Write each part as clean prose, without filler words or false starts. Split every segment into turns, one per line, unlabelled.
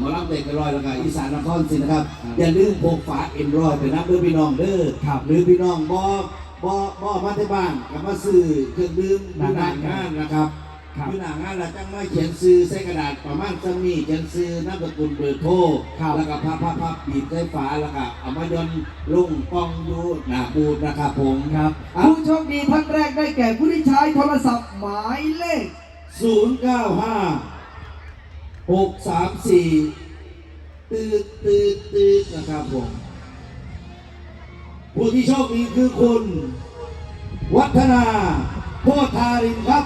มารับเด็กกันลอยแล้วก็อีสานนครสินะครับอย่าลืมพกฝาเอ็มรอยไปนับเด้อพี่น้องเด้อหรือพี่น้องบ่มาที่บ้านกับมาซื้อเครื่องดื่มหน้างานนะครับอยู่หน้างานเราจังไม่เขียนซื้อใส่กระดาษประมาณจะมีเขียนซื้อนามสกุลเบอร์โทรแล้วก็พับปีบใส่ฝาแล้วก็เอามายนลงกองอยู่หน้าบูธนะครับผม
ครับผู้โชคดีท่านแรกได้แก่ผู้ที่ใช้โทรศัพท์หมายเลข
095 634ตืดนะครับผมผู้ที่โชคดีคือคุณวัฒนาโพธารินครับ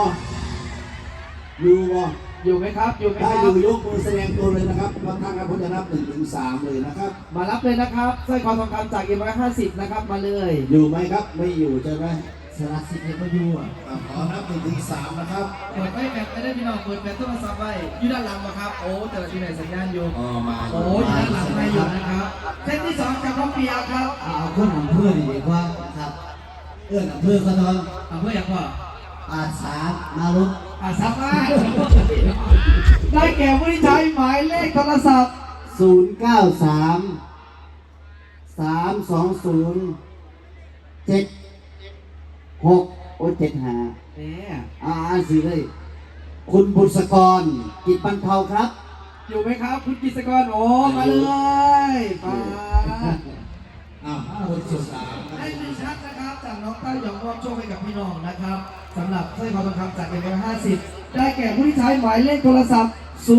อยู่ไหมครับ
ถ้าอยู่ยกมือแสดงตัวเลยนะครับบางท่านครับผมจะนับ1 ถึง 3เลยนะครับ
มารับเลยนะครับสร้อยคอทองคำจาก150นะครับมาเลย
อยู่ไหมครับไม่อยู่ใช่ไหม
สารสิทธิ์ก็อยู่
ขอนับ1 ถึง 3นะครับ
เปิดไม่แบตไม่ได้พี่น้องเปิดแบตโทรศัพท์ไว้อยู่ด้านหลังครับโอ้แต่ละที่ไหนสัญญาณอยู่
มา
โอ้อยู่ด้านหลังไม่อยู่นะครับเส้นที่2จากน้องเปียครับ
เอาเพื่อนของเพื่อนดีกว่าครับเพื่อนของเพื่อนเขานอน
เพื่อนอย่างว่า
อาสามาลุก
สามารถได้แก่ผู้ที่ใช้หมายเลขโทรศัพท์
093 320 765เนี่ยอ่านสิเลยคุณบุษกรกิจบรรเทาครับ
อยู่ไหมครับคุณกิจกรโอ้มาเลยมา
คนสุดสาม
ให้ดูชัดนะครับจากน้องเต้ายองมอบโชคให้กับพี่น้องนะครับสำหรับสร้อยคอทองคำจาก150ได้แก่ผู้ที่ใช้หมายเลขโทรศัพท์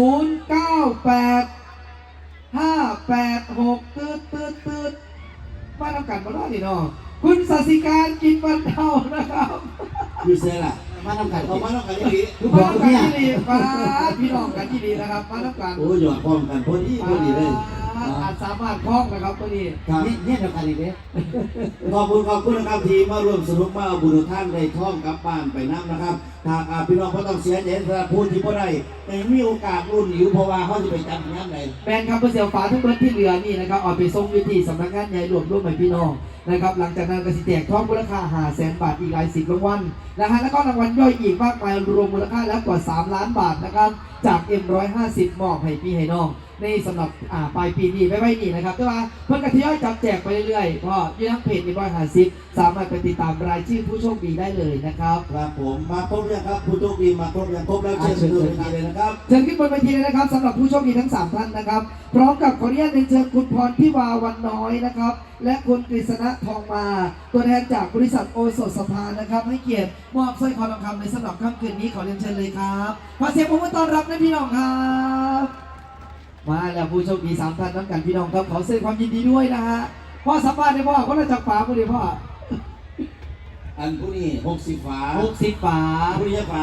098 586ตืดมาทำกันมาได้ดิน้องคุณสัสิการกินบรรเทานะครับ
คือเซ่ล่ะ
มาทำกัน
มาทำกันที่ดี
มาทำกันที่ดีมาพี่น้องกันที่ดีนะครับมาทำกัน
โอ้ยหยอดพร้อมกันพอดีเลย
อาจสามารถคล้องนะครับตัวนี้
เนี่ยเดียวกันอีกเนี่ย
ขอบคุณนะครับทีมาร่วมสนุกมาเอาบุญท่านได้ท่องกลับบ้านไปน้ำนะครับหากพี่น้องเขาต้องเสียใจสำหรับผู้ที่เขาได้แต่มีโอกาสรุ่นหิวเพราะว่าเขาจะไปจำงานไหน
แบนครับเพื่อเสียวฝาทั้งเบิร์ที่เหลือนี่นะครับออกไปส่งวิธีสำนักงานใหญ่รวมใหม่พี่น้องนะครับหลังจากนั้นก็สิแจกทองมูลค่า500,000 บาทอีกหลาย10 รางวัลนะฮะแล้วก็รางวัลย่อยอีกมากมายรวมมูลค่าแล้วกว่า3 ล้านบาทนะครับจาก M150 มอบให้พี่ให้น้องในสำหรับปลายปีนี้ไม่นี่นะครับแต่ว่าเพื่อนกระทยอยจับแจกไปเรื่อยๆเพราะยี่ทั้งเพจM150สามารถไปติดตามรายชื่อผู้โชคดีได้เลยนะครับ
ครับผมมาครบยังครับผู้โชคดีมาครบยังครบแล้วเชิญขึ้นบนเวทีเลยนะครับ
เชิญขึ้นบนเวทีเลยนะครับสำหรับผู้โชคดีทั้ง3 ท่านนะครับพร้อมกับขออนุญาตเชิญคุณพรพิวาวันน้อยนะครับและคุณกฤษณะทองมาตัวแทนจากบริษัทโอสถสภานะครับให้เกียรติมอบสร้อยคอทองคำในสำหรับค่ำคืนนี้ขอเรียนเชิญเลยครับขอเสียงปรบมือต้อนรับนะพี่น้องครับมาแล้วผู้โชคดี3 ท่านน้ำกันพี่น้องครับขอแสดงความยินดีด้วยนะฮะพ่อสัมภาษณ์ได้พ่อเขาจะจับฝาผู้เดียวพ่อ
อันผู้นี้60 ฝา
60 ฝา
ผู้นี้ฝา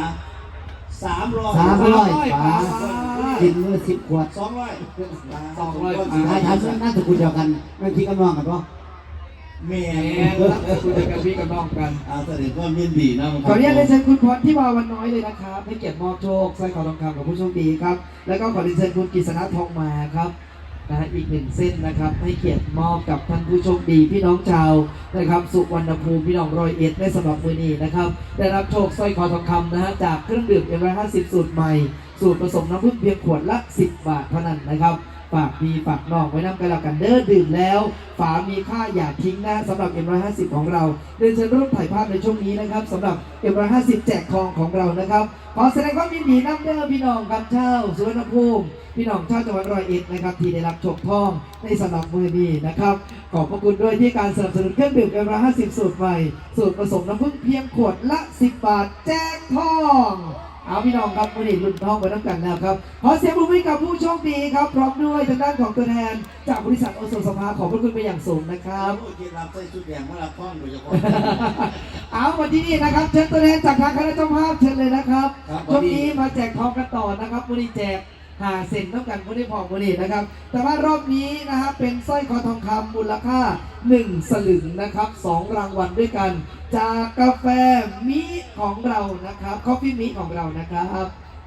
300 ฝากินมื้อ10 ขวด
200
ทำน่าจะคุยเดียวกันไม่พี่กันน้องกันปะ
แม่
คุยกับพี่กับน้องกัน
แสดงว่ายินดีนะ
ขออนุญาตเชิญคุณพรที่วาวันน้อยเลยนะครับให้เกียรติมอบโชคสร้อยคอทองคำกับผู้โชคดีครับแล้วก็ขอเรียนเชิญคุณกฤษณะทองมาครับนะอีก1 เส้นนะครับให้เกียรติมอบกับท่านผู้โชคดีพี่น้องชาวนะครับสุวรรณภูมิพี่น้อง101ได้สำหรับมือนี้นะครับได้รับโชคสร้อยคอทองคำนะฮะจากเครื่องดื่มM150สูตรใหม่สูตรผสมน้ำผึ้งเพียงขวดละ10 บาทเท่านั้นนะครับฝากพี่ฝากน้องไว้นำกันแล้วกันเด้อดื่มแล้วฝามีค่าอย่าทิ้งนะสำหรับ M150 ของเราเดินเชิญร่วมถ่ายภาพในช่วงนี้นะครับสำหรับ M150 แจกทองของเรานะครับขอแสดงความยินดีนำเด้อพี่น้องกับเช่าสุวรรณภูมิพี่น้องชาวจังหวัด101นะครับที่ได้รับโชคทองในสำหรับมือนี้นะครับขอบพระคุณด้วยที่การสนับสนุนเครื่องดื่ม M150 สูตรใหม่สูตรผสมน้ำผึ้งเพียงขวดละ10 บาทแจกทองเอาพี่น้องครับวันนี้รุ่นทองไปน้ำกันแล้วครับขอเสียงปรบมือกับผู้โชคดีครับพร้อมด้วยทางด้านของตัวแทนจากบริษัทโอสถสภาขอบพระคุณไปอย่างสูงนะครับ
โอเคเราใส่ชุดแดงมาละครโดยเฉพาะ
เอาวันที่นี่นะครับเชิญตัวแทนจากทางคณะเจ้าภาพเชิญเลยนะครับช่วงนี้มาแจกทองกันต่อนะครับวันนี้แจก5 เซนต้องกันวันนี้พอวันนี้นะครับแต่ว่ารอบนี้นะครับเป็นสร้อยคอทองคำมูลค่า1 สลึงนะครับ2 รางวัลด้วยกันจากกาแฟมิของเรานะครับคอฟฟี่มิของเรานะครับ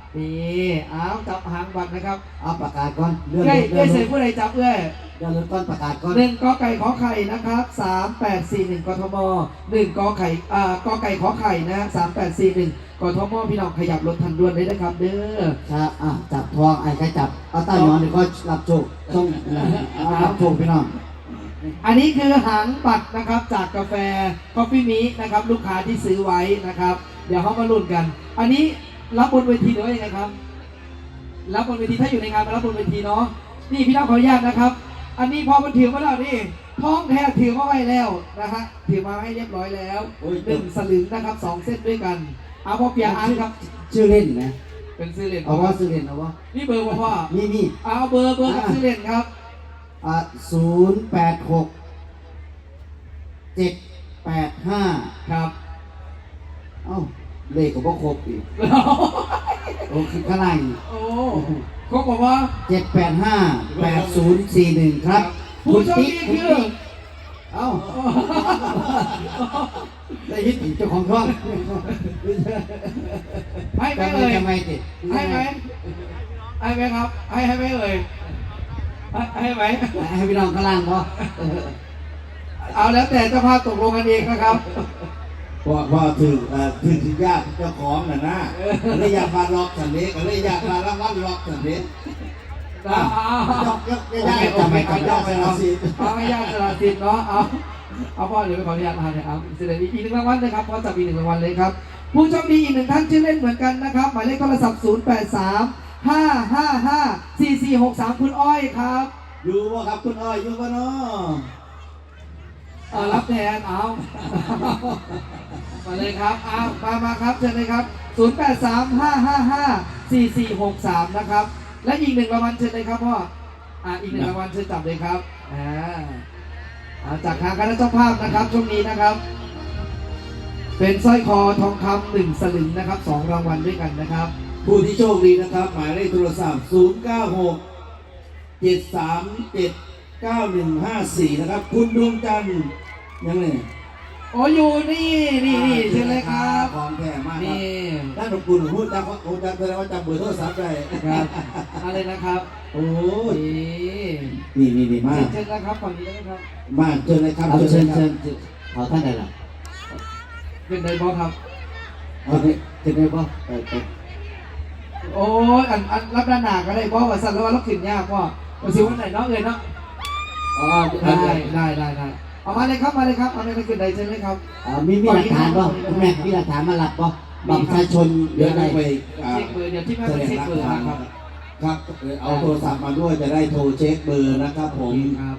นี่เอาจับหางบัตรนะครับ
เอาประกาศก่อนเลื่อน
เอ้ย
เลื่
เอ้
อย น
เสียผู้ใดจับเอ้ย
เลื่อนก่อนประกาศก่อน
หนึ่งกอไก่ขอไข่นะครับ3841กทม1กอไข่กอไก่ขอไข่นะ3841กทมพี่น้องขยับรถทันด่วนเลยนะครับเด้อ
ครับจับทองไอ้ใครจับเอาใต้หมอนเดี๋ยวก็รับโชคต้องเอารับโชคพี่น้อง
อันนี้คือหางบัตรนะครับจากกาแฟ Coffee Me นะครับลูกค้าที่ซื้อไว้นะครับ เดี๋ยวเขามาลุ้นกัน อันนี้รับบนเวทีหรือว่ายังไงครับ รับบนเวทีถ้าอยู่ในงานมารับบนเวทีเนาะนี่พี่น้องขออนุญาตนะครับ อันนี้พอมันถือมาแล้วนี่ท้องแท้ถือมาไว้แล้วนะฮะถือมาให้เรียบร้อยแล้ว1 สลึงนะครับ2 เส้นด้วยกันเอาพ่อเปียอ่านครับ
ชื่อเล่นนะ
เป็นซื้อเล่น
เอาว่าชื่อเล่นเอาว่า
นี่เบอร์พ่อ
นี่
เอาเบอร์กับซื้อเล่นครับ
086 785
ครับ
เอ้าเลขก็บ่ครบอีกโอ้คือข้างล่าง
โอ้เขาบอกว่า
785 8041 ครับ
ผู้โชคดีคือ
เอ้าได้ยินอีกเจ้าของช่อง
ให้ไหม
ทำไม
เอ่ย
ทำไมติ
ให้ไหมให้ไหมครับให้ไหมเอ่ยให้ไหม
ให้พี่น้องข้างล่างพอ
เอาแล้วแต่เจ้าภาพตกลงกันเองนะครับ
พอถึงถึงญาติเจ้าของน่ะนะเลยอยากมาล็อกสันเด็กเลยอยากมาละวันล็อกสันเด็กยกญาติจะไม่กับญาติเอาสิ
เอาให้ญาติสละสิทธิ์เนาะเอาพ่อเดี๋ยวไปขออนุญาตมาเนี่ยเอาเสร็จอีก1 รางวัลเลยครับพอจับอีก1 รางวัลเลยครับผู้โชคดีอีก1 ท่านชื่อเล่นเหมือนกันนะครับหมายเลขโทรศัพท์0835554463คุณอ้อยครับ
อยู่ว่าครับคุณอ้อยอยู่ว่าเนาะ
รับแทนเอามาเลยครับเอามาครับเชิญเลยครับ0835554463นะครับและอีก1 รางวัลเชิญเลยครับพ่ออีก1 รางวัลเชิญจับเลยครับจากทางคณะเจ้าภาพนะครับช่วงนี้นะครับ เป็นสร้อยคอทองคำ1 สลึงนะครับ2 รางวัลด้วยกันนะครับ
ผู้ที่โชคดีนะครับ หมายเลขโทรศัพท์096 737 9154นะครับคุณดวงจันทร์ยังไง
โอ้อยู่นี่เชิญเลยครับ
ของแท้มากครับ
นี่
ท่านหลวงปู่พูดจำผมจำแสดงว่าจำเบอร์โทรศัพท์ได้
ครับอะไรนะครับ
โอ้ย
นี่
นี่มาก
เชิญนะครับฝั่งนี้นะครับ
มากเชิญเลยครับ
เอาเชิญ
ลยค
เชิ
รับ
ญเอาท่านใดล่ะ
เป็นไดบอครับ
เอาจะได้ป่ะ
โอ้ยอันรับด้านหนาก็ได้บอว่าสั่นแล้วว่าเราขึ้นยากพ่อมาซิวันไหนเนาะเอ่ยเนาะ
อ๋อ
ได้เอามาเลยครับเอาเลยขึ้นใดเชิญเลยครับ
มีหลักฐานป่ะคุณแม่มีหลักฐานมาหลับป่ะบัตรประชาชนหรือ
เดี๋ยว
อะไร
ต้องไป
เช็คเบอร์เดี๋ยวที่แม่
แส
ไป
ดง
เช็ค
หลัก
เบอร์
ฐาน
นะครับ
ครับเอาโทรศัพท์มาด้วยจะได้โทรเช็คเบอร์นะครับผม
ครับ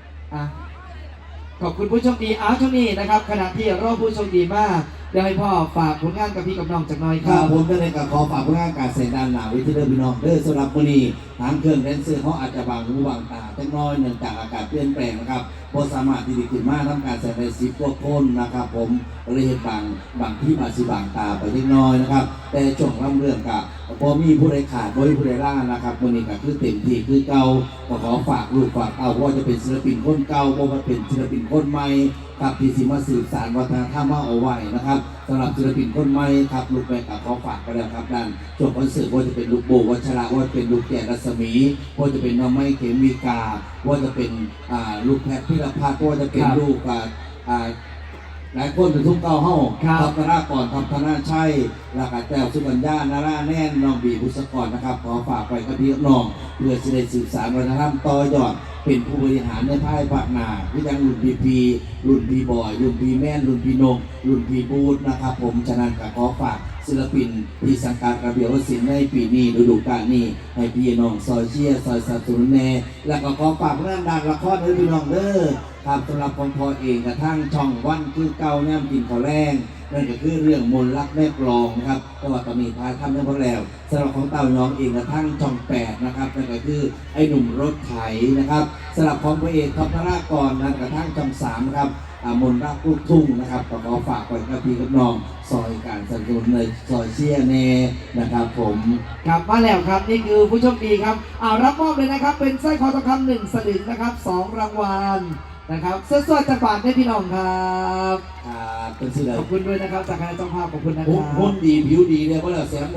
ขอบคุณผู้โชคดีช่วงนี้นะครับขณะที่รอผู้โชคดีมากเดี๋ยวให้พ่อฝากผลงานกับพี่กับน้องจากหน้อยค
ครั
รั
บบ ผมได้เลยกับขอฝากผู้งานการเสดานหนาวิทยาพี่น้องเด้อสำหรับมื้อนี้ทางเครื่องแดนเซอร์เขาอาจจะบางหูบางตาเล็กน้อยเนื่องจากอากาศเปลี่ยนแปลงนะครับบ่สามารถที่จะขึ้นมาทำการแสดง10 กว่าคนนะครับผมเลยเห็นบางที่มาสิบางตาไปเล็กน้อยนะครับแต่ช่วงร่ำเรื่องกับพอมีผู้ใดขาดบ่มีผู้ใดล่านะครับมื้อนี้ก็คือเต็มที่คือเก่าก็ขอฝากลูกฝากเต้าว่าจะเป็นศิลปินคนเก่าบ่ว่าเป็นศิลปินคนใหม่ครับที่สิมาสืบสานวัฒนธรรมเอาไว้นะครับสำหรับศิลปินคนใหม่ครับลูกแม่กับขอฝากกันแล้วครับด้านช่วงคอนเสิร์ตว่าจะเป็นลูกโบวัชระว่าจะเป็นลูกแก่รัศมีว่าจะเป็นน้องไม้เขมิกาว่าจะเป็นลูกแพทย์พิรพัฒน์ว่าจะเป็นลูกหลายคนเป็นทุ่งเก่าเฮ้าทัพธนากรทัพธนาชัยแล้วก็แต้วสุวรรณญานาราแน่นน้องบีบุษกรนะครับขอฝากไปกับพี่น้องเพื่อจะได้สืบสานวัฒนธรรมต่อยอดเป็นผู้บริหารในภายภาคหน้าที่ยังรุ่นพีรุ่นพีบอยรุ่นพีแม่นรุ่นพีนงรุ่นพีบูธนะครับผมฉะนั้นก็ขอฝากศิลปินที่สังกัดระเบียบวัฒนศิลป์ในปีนี้ฤดูกาลนี้ให้พี่น้องซอยเชียร์ซอยสนับสนุนแน่แล้วก็ขอฝากเรื่องดังละครให้พี่น้องเด้อครับสำหรับของพอเองกระทั่งช่องวันคือเก่าแนมกินข้าวแรงนั่นก็คือเรื่องมนต์รักแม่กลองนะครับแต่ว่าตอนนี้พายทำได้พอแล้วสำหรับของเต่าน้องเองกระทั่งช่อง8นะครับนั่นก็คือไอ้หนุ่มรถไถนะครับสำหรับของพระเอกทัพธนากรนั่นกระทั่งช่อง3ครับมนต์รักลูกทุ่งนะครับก็ขอฝากไว้กับพี่กับน้องซอยการสนับสนุนในซอยเชียร์แน่นะครับผม
ครับมาแล้วครับนี่คือผู้โชคดีครับรับมอบเลยนะครับเป็นสร้อยคอทองคำ1 สลึงนะครับ2 รางวัลนะครับสดๆจากปากให้พี่น้องครับ
เป็นสิ่งใด
ขอบคุณด้วยนะครับจากคณะเจ้าภาพขอบคุณนะครับ
หุ่นดีผิวดีเลยเพราะเราเสีย